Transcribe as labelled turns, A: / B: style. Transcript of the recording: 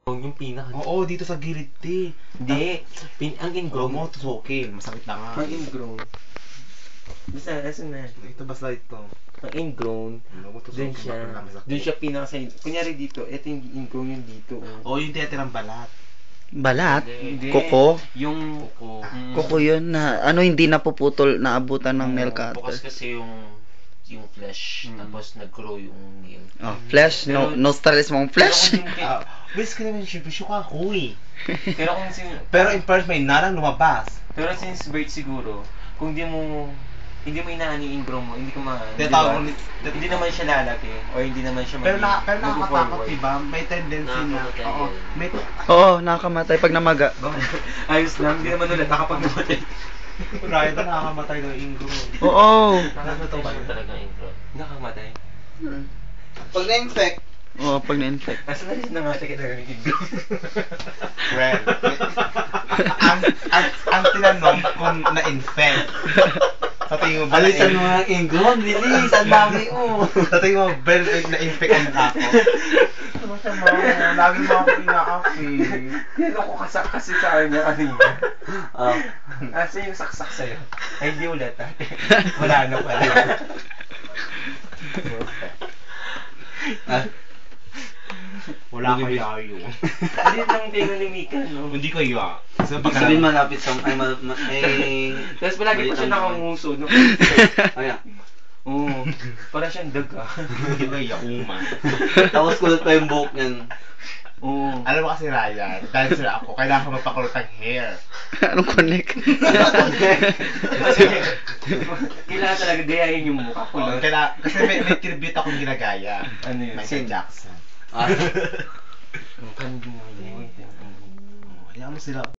A: Yung pinaka.
B: Oo, dito sa gilid, te.
A: Hindi. Ang
B: Grow
A: ingrown
B: mo, tusukin. Masakit na nga.
A: Ang ingrown. Basta, asan na?
B: Ito basta ito.
A: Ang ingrown. Doon siya pinaka sa kunyari dito, ito yung ingrown yung dito.
B: Oo, yung tinatirang balat.
C: Balat?
A: Hindi.
C: Kuko?
A: Yung
C: Kuko yun na, ano hindi napuputol, naabutan ng nail
A: Bukas
C: cutter.
A: kasi yung flesh, tapos nag-grow yung nail.
C: Oh, flesh? No, nostrils mong flesh?
B: Bis ka naman siya, bisyo ka ako eh.
A: Pero kung
B: Pero in first, may narang lumabas.
A: pero since birth siguro, kung hindi mo inaan yung ingrown mo, hindi ka
B: Tinatawag ni-
A: hindi naman siya lalaki or hindi naman siya
B: Pero nakakatakot,
A: mag-forward.
B: diba? May tendency na, oo, may,
C: Oo, nakakamatay pag namaga.
A: Ayos lang, hindi naman ulit nakapag namatay.
B: Ryan, nakakamatay ng ingrown.
C: Oo.
B: Nakakatawa ba yun?
A: Talaga ingrown. Nakamatay.
D: Pag na-infect,
C: Oo, pag na-infect.
A: Asa na rin nangatay ka talaga ng ingrown.
B: Well, ang tinanong kung na-infect. Sa tingin mo ba
D: alisan mo ng ingrown, bilis, ang dami mo.
B: Sa tingin mo ba na-infect ang ako? Masama, lagi mo ako ina-api.
A: Kaya ako kasi sa kanya kanina. Asa yung saksak sa'yo? Ay, hindi ulit ate. Wala na pala.
B: Wala kaya yun.
A: Hindi lang tayo ni Mika, no?
B: Hindi ko yun. So,
D: Sabihin malapit sa,
A: Tapos palagi pa siya nakanguso, no?
D: Ayan.
A: Oo. Para siyang daga.
B: Hindi ko yun, uma.
D: Tapos kulot pa yung buhok niyan.
A: Oo.
B: Alam mo kasi Ryan, dahil sila ako, kailangan ko magpakulot ng hair.
C: Anong connect?
A: Kasi kailangan talaga gayahin yung mukha ko.
B: Oh, kasi may tribute akong ginagaya.
A: Ano yun?
B: Michael Jackson.
D: Ah.
A: Ang kanding mo yun.
B: Hayaan mo sila.